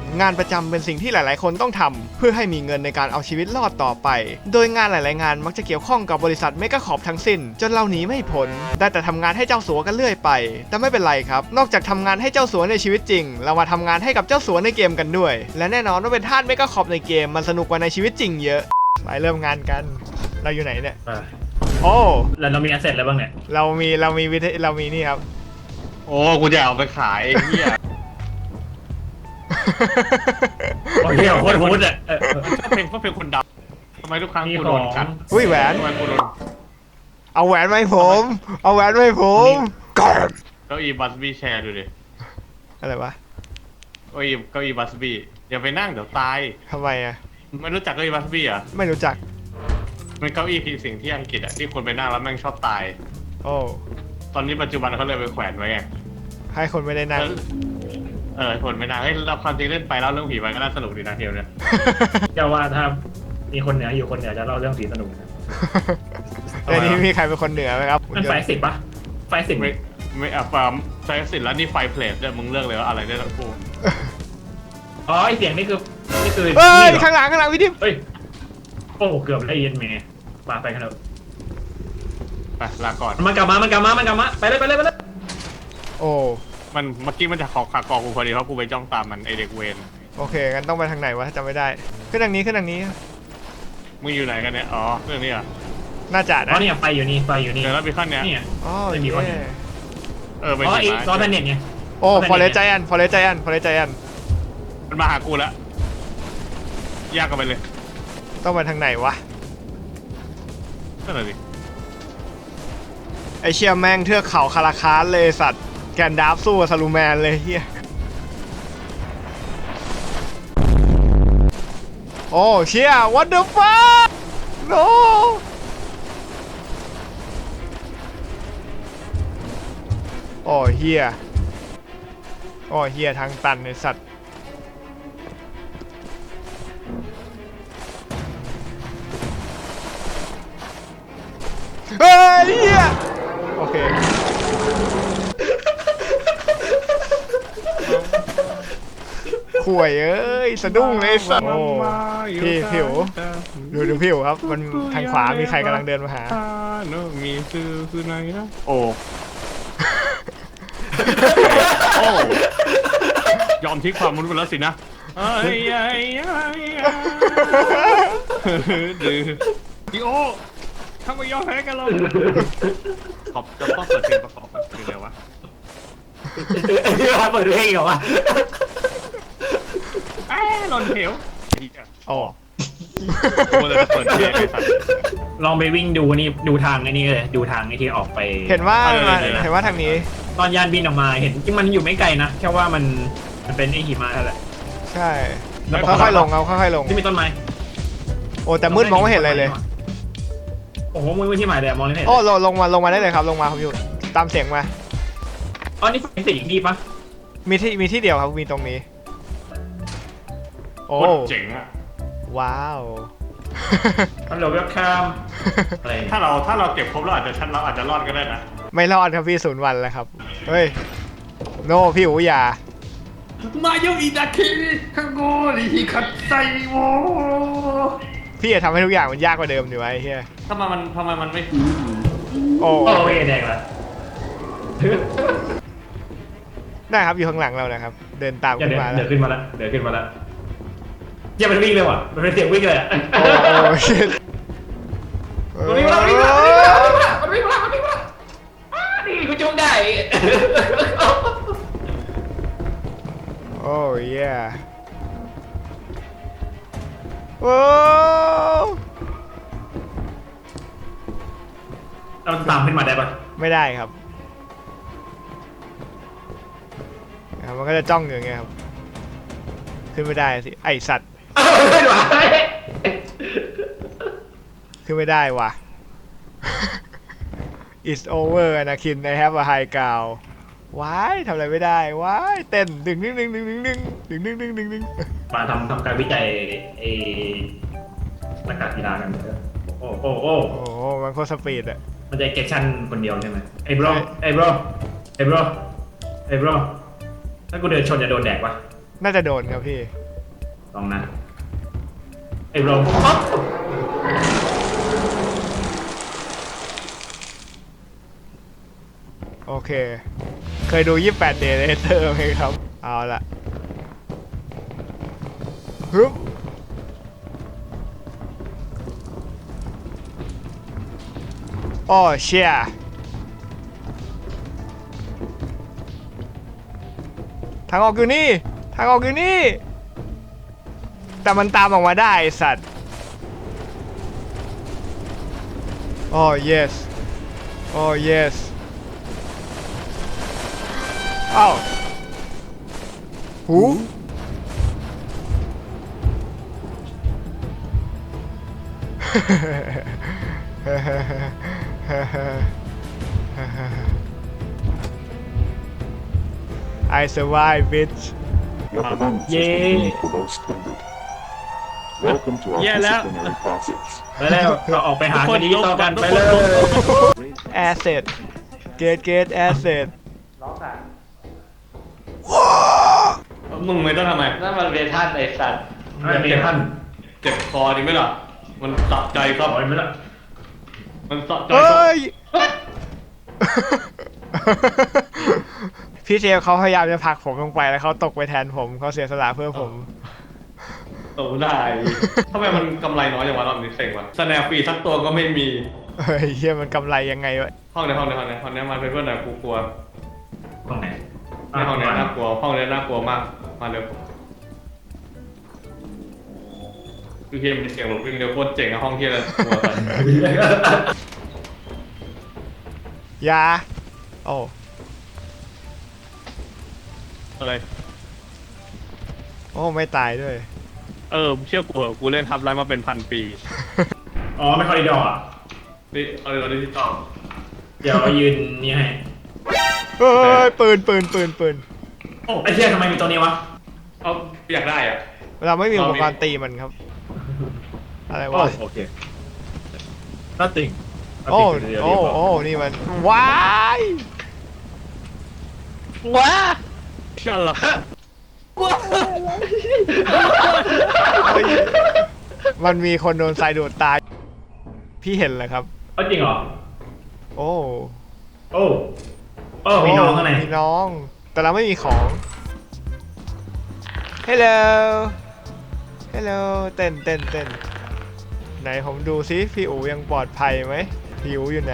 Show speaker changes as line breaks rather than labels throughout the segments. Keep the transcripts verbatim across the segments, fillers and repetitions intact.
งานประจำเป็นสิ่งที่หลายๆคนต้องทำเพื่อให้มีเงินในการเอาชีวิตรอดต่อไปโดยงานหลายๆงานมักจะเกี่ยวข้องกับบริษัทเมกะคอร์ปทั้งสิ้นจนเราหนีไม่พ้นได้แต่ทำงานให้เจ้าสัวกันเรื่อยไปแต่ไม่เป็นไรครับนอกจากทำงานให้เจ้าสัวในชีวิตจริงเรามาทำงานให้กับเจ้าสัวในเกมกันด้วยและแน่นอนว่าเป็นทาสเมกะคอร์ปในเกมมันสนุกกว่าในชีวิตจริงเยอะไปเริ่มงานกันเราอยู่ไหนเนี่ยโอ้
แล้วเรามีแอสเซทอะไรบ้างเนี่ย
เรามีเรามีวิธีเรามีนี่ครับ
โอ้กูจะเอาไปขายไอ้เหี้ย
โอเคโคตรโหดอ่ะ
ชอบเพลงชอบเพลงคนดำทำไมทุกครั้งกูโดนกัด
อุ้ยแหวน
ทำไมกูโดน
เอาแหวนไว้ผมเอาแหวนไว้ผมก่อน
เก้าอี้บัสบี้แชร์ดูดิ
อะไรวะ
เก้าอี้เก้าอี้บัสบี้อย่าไปนั่งเดี๋ยวตาย
ทำไมอ่ะ
ไม่รู้จักเก้าอี้บัสบี้อ่ะ
ไม่รู้จัก
เป็นเก้าอี้ผีสิงที่อังกฤษอ่ะที่คนไปนั่งแล้วแม่งชอบตาย
โอ้
ตอนนี้ปัจจุบันเขาเลยไปแขวนไว้ไง
ให้คนไม่ได้นั่ง
เออคนไม่นั่งให้เราความจริงเล่นไปแล้วเรื่องผีมันก็น่าสนุกดีนะเทลเนี่ย
เจ้าว่าถ้ามีคนเหนืออยู่คนเหนือจะเล่าเรื่องผีสนุกนะ
ในนี้มีใครเป็นคนเหนือไหมครับ
มันไฟสิบปะไฟสิบ
ไม่ไม่อ่ะฟาร์มไฟสิบแล้วนี่ไฟเพลทเนี่ยมึงเลือกเลยว่าอะไรได้ทั้งคู่
อ๋อไอเสียงนี่คือนี่คือ
เฮ้ยข้างหลังข้างหลังพี่ดิม
เฮ้ยโอ้เกือบได้ยินเมย์มาไปกันเถอะ
ไปลาก่อน
มันกลับมามันกลับมามันกลับมาไปเลยไปเลยไปเลย
โอ้
มันเมื่อกี้มันจะขอขากอกูพอดีเพราะกูไปจ้องตามมันไอเด็กเวน
โอเคงั้นต้องไปทางไหนวะจำไม่ได้ขึ้นทางนี้ขึ้นทางนี้
มึงอยู่ไหนกันเนี่ยอ๋อเรื่องนี้อ่ะ
น่าจะนะ
อ๋อเนี่ยไฟอยู่นี่ไฟอยู่นี่
เดี๋ยวเราไปขั้นเนี้ย
นี่
อ๋อ
ไม่มีคน
เออไป
อ๋ออีกรอแพนเน็ตไง
โอ้ฟอเรสใจแอนฟอเรสใจแอนฟอเรสใจแอน
มันมาหากูแล้วยากกันไปเลย
ต้องไปทางไหนวะ
นั่นแหละดิ
ไอเชียแม่งเทือกเขาคาราคาสเลยสัตว์แกนดาฟสู้กับซาลูแมนเลยเฮียโอ้เชีย what the fuck no โอ้เฮียโอ้เฮียทางตันไอสัตว์เฮ้ยเฮียโอเคข่วยเอ้ยสะดุ้งเลยสัตว์โอ้พี่ผิวดูดูผิวครับมันทางขวามีใครกำลังเดินมาหา
มีคือคือไหนนะโอ้โอ้ยอมทิ้งความมนุษย์ไปแล้วสินะไอ้ไอ้ไอ้ดื้อดิโอทำไมยอมแพ้กันเราขอบจะต้องเปิดเพลงประกอบกันคืออะไรวะ
เปิดเพลงเหรอวะ
ไอ้หล่นเหว
อ๋อ
มันจะเปิดเพลง
ลองไปวิ่งดูนี่ดูทางไอ้นี่เลยดูทางไอ้ที่ออกไป
เห็นว่าเห็นว่าทางนี้
ตอนยานบินออกมาเห็นจริงมันอยู่ไม่ไกลนะแค่ว่ามันมันเป็นไอ้หิมะนั่นแหละ
ใช่ค่อยๆลงเอาค่อยๆลง
ที่มีต้นไม้
โอ้แต่มืดมองไม่เห็นอะไรเลย
โอ้โหมืดที่หมายเลยมองไม่เห็น
โอ้ลงลงมาลงมาได้เลยครับลงมาครับอยู่ตามเสียงมา
อ๋อนี่เป็นสิ่งอีกที่ปะ
มีที่มีที่เดียวครับมีตรงนี้โอ้
เจ๋งอะ
ว้าว
ฮัลโหลเวลคัมอะไร
ถ้าเราถ้าเราเก็บครบเราอาจจะชั้นเราอาจจะรอดก็ได้นะ
ไม่รอดครับพี่ศูนย์วันแล้วครับเฮ้ยโนพี่อูอย่า
มาโยอิดาคิคังโกริฮิคัตไซโว
พี่จะทำให้ทุกอย่างมันยากกว่าเดิมดีวะไอ้เหี้ย
ทำไมมันทำไมมันไม่
โอ้
โอ้ยแดงละ
ได้ครับอยู่ข้างหลังเรานะครับเดินตามขึ้นมาแล้ว
เดินขึ้นมาแล้วเดินขึ้นมาแล้วอย่ามันวิ่งเลยว่ะมันเป็นเสียงวิ่งเลยอ่ะ
โอ้โหชิต
มันวิ่งมามันวิ่งมามันวิ่งมามันวิ่งมามันวิ่งมานี่กูจุ่มได้
โอ้ยเย่โอ้
เราตามขึ้นมาได้ปะ
ไม่ได้ครับมันก็จะจ้องอยู่อย่างเงี้ยครับขึ้นไม่ได้สิไอสัตว์ขึ้นไม่ได้ว่ะ it's over นะคิน I have a high ground ว้ายทำอะไรไม่ได้ว้ายเต้นดึงดึงดึงดึงดึงดึงดึงดึงดึงดึงดึง
มาทำทำการวิจัยไอ้นักการกีฬากันโอ้โอ้โอ้
โอ้มันโคตรสปีดอะ
มันจะเก็บชั่นคนเดียวใช่ไหมไอ้บรอไอ้บรอไอ้บรอไอ้บรอถ้ากูเดินชนจะโดนแดกปะ
น่าจะโดนครับพี่
ลองนะไอ้โรงอ๊อบ
โอเค เคยดูยี่สิบแปด Day Later ไหมครับ เอาละฮึบโอ้เชี่ยทางออกอยู่นี่ ทางออกอยู่นี่ แต่มันตามออกมาได้ไอ้สัตว์โอ้ yes โอ้ yes อ้าวหู I survive bitch
Your command system
Yay.
is below standard. Welcome to our
Yeah, that-
disciplinary process.
ไปแล้วเราออกไปหาคดีต่อกันไปเลย
asset get get asset
มึงไม่ต้องทำไม
นั่นมันเวทันไอสัตว์
ไม่มีท่าน
เจ็บคอดีไหมล่ะ มันสะใจครับ
ปล่อยไหมล่ะ
มันสะใจ
เฮ้
ครับ
ย พี่เซลเขาพยายามจะผลักผมลงไปแล้วเขาตกไปแทนผมเขาเสียสละเพื่อผม
โตได้ทำไมมันกำไรน้อยอย่างวะรอบนี้เซ็งวะสแนปฟรีสักตัวก็ไม่มี
เฮ้ยเฮียมันกำไรยังไงวะ
ห้องในห้องในห้องในห้องนี้มาเป็นเพื่อนหน่อยกูกลัว
ตรงไหน
ในห้องนี้น่ากลัว ห้องนี้น่ากลัวมาก มาเร็วคือเฮียมีเสียงหลบวิ่งเร็วโคตรเจ๋งอะห้องเฮียเลยกลัวกัน
ยาโอ้
อะไร
โอ้ไม่ตายด้วย
เออเชื่อกูเหอะกูเล่นทับไลน์มาเป็นพันปี
อ๋อไม่คอริดอร์อ่ะ
นี่เอาเลยเอาดิจิตอล
เดี๋ยวยืนนี่ให้
เฮ้ยปืนปืนปืนปืน
โอ้ไอ้เชี่ยทำไมมีตัวนี้วะ
เอาอยากได้อ่ะ
เราไม่มีอุปกรณ์ตีมันครับ อะไรวะ
โอเค nothing
โอ้โอ้โอ้นี่มันว้าย
ว้า
ชันหรอ
เฮ้ยมันมีคนโดนทรายดูดตาย พี่เห็นเลยครับ
เอาจริงเหรอ
โอ้
โอ้โอ้มีน้องข้างใน
มีน้อง แต่เราไม่มีของ Hello Hello เต้นเต้นเต้นไหนผมดูซิพี่อูยังปลอดภัยไหมพี่อูอยู่ไหน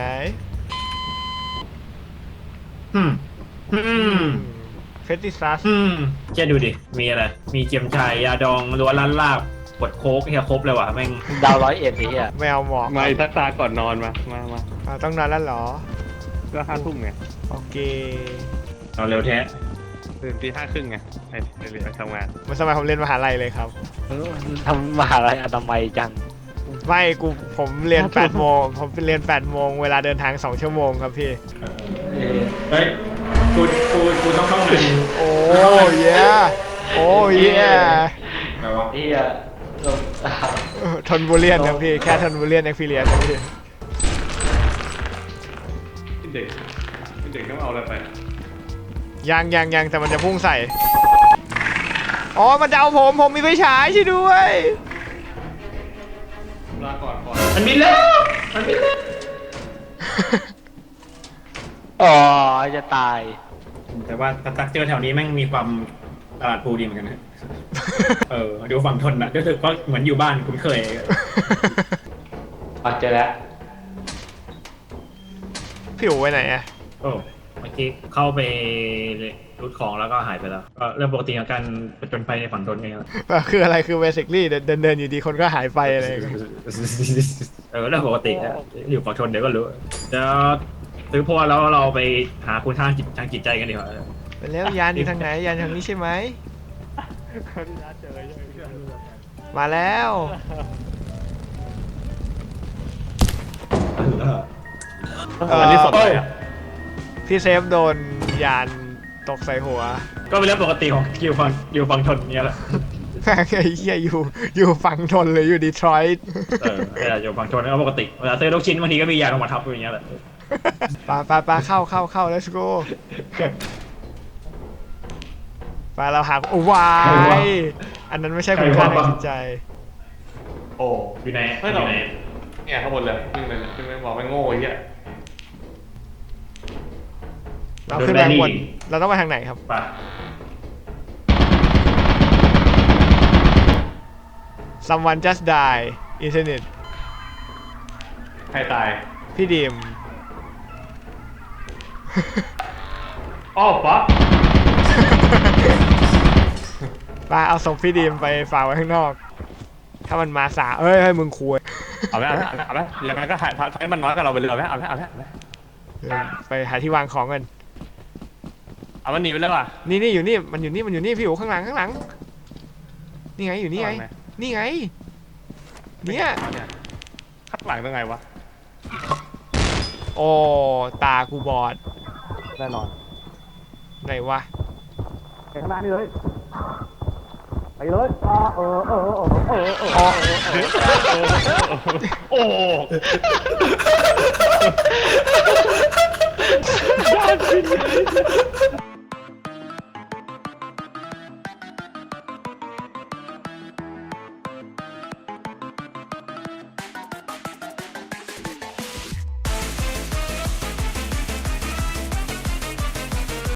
อืมอืม
เฟติซัส
อืมแกดูดิ มีอะไร มีเจียมชายยาดองล้วนล้านลาบกดโค้กเฮียครบเลยว่ะแม่ง
ดาวร้อยเอ็ดไอ้เหี้ย
แมวหมอก
มาทักตาก่อนนอนมา มามา
อ่าต้องนอนแล้วเหรอ
ก็ห้าทุ่มไง
โอเค
เอาเร็วแท้
ตื่นตีห้าครึ่งไงไปไปเรียนไปทำงาน
มันสมัยผมเรียนมหาลัยเลยครับ
เออทำมหาลัยอนามัยจัง
ไม่กูผมเรียนแปดโมงผมเรียนแปดโมงเวลาเดินทางสองชั่วโมงครับพี่
เออ
เฮ้ย กู กู กูต้องเข้าหนึ่ง
โอ้ยโอ้ย
อะไรวะ
เหี้ยลง
ทนบุเรียนครับพี่ แค่ทนบุเรียนเอ็กซ์เพรียนครับพี่
เด็กเด็กต้องเอาอะไรไป
ยังยังยังแต่มันจะพุ่งใส่ อ๋อ มันจะเอาผม ผมมีไฟฉายช่วยด้วย
ลาก่อนก่อน
มันบินแล้วมันบินแล้ว
อ๋อจะตาย
แต่ว่าสตรัคเจอร์แถวนี้แม่งมีความตลาดภูดีเหมือนกันนะ เออ ดูฝั่งทนอ่ะรู้สึกว่าเหมือนอยู่บ้านคุ้นเคย
อ๋อเจอแล้ว
พี่อู๋ไปไหนอะ
โอ้ เมื่อกี้เข้าไปรูดของแล้วก็หายไปแล้ว ก็เรื่องปกติของการผจญภัยในฝั่งทนไง
คืออะไรคือเบสิคลี่เดินเดินอยู่ดีคนก็หายไปอะไรอย่างเงี้ย
เออเรื่องปกติอะอยู่ฝั่งทนเดี๋ยวก็รู้จะซื้อพวแล้วเราไปหาคุณทางจิตทางจิตใจกันดีกว่า
ไปแล้วยานอยู่ทางไหนยานทางนี้ใช่ไหม มาแล้ว
อันนี้สดเลยอ่ะ
พี่เซฟโดนยานตกใส่หัว
ก็เป็นเรื่องปกติของอยู่ฝั่งอยู่ฝั่งทนเนี่ยแหละ
แม่งไอ้เหี้ยอยู่อยู่ฝั่งทนเลยอยู่ดีทรอยต์
เออเวลาอยู่ฝั่งทนก็ปกติเวลาซื้อลูกชิ้นบางทีก็มียาลงมาทับอย่างเงี้ยแหละ
ปาปาปาเข้าเข้าเข้า let's go ไปเราหาโอ้วายอันนั้นไม่ใช่คุณค่าทางจิตใจ
โอ้อยู่ไหนเฮ้ยเราเนี่ยข้างบนเลยขึ้นไปขึ้นไปบอกไม่โง่ไอ้เหี้ย
เราขึ้นไปข้างบนเราต้องไปทางไหนครับ
ไป
someone just die internet
ใครตาย
พี่ดีม
อ้อป๊อ
ป้าเอาศพพี่ดีมไปฝากไว้ข้างนอก ถ้ามันมาสาเอ้ยเฮ้ยมึงคุย
เอาไหมเอาไหมเอาไหมแล้วมันก็หายพักมันน้อยกับเราไปเลยเอาไหมเอาไหมเอาไหมเอาไหม
ไปหาที่วางของกัน
เอามันหนีไปเลยว่ะ
นี่นี่อยู่นี่มันอยู่นี่มันอยู่นี่พี่อยู่ข้างหลังข้างหลังนี่ไงอยู่นี่ไงนี่ไงเนี่ย
ข้างหลังเป็นไงวะ
โอ้ตากูบอด
แน่นอน
ไหนวะ
ไปข้างหน้านี่เลยไปเลยเออเออเออเออเออเออ
อ๋อ
โอ้ยอดจริง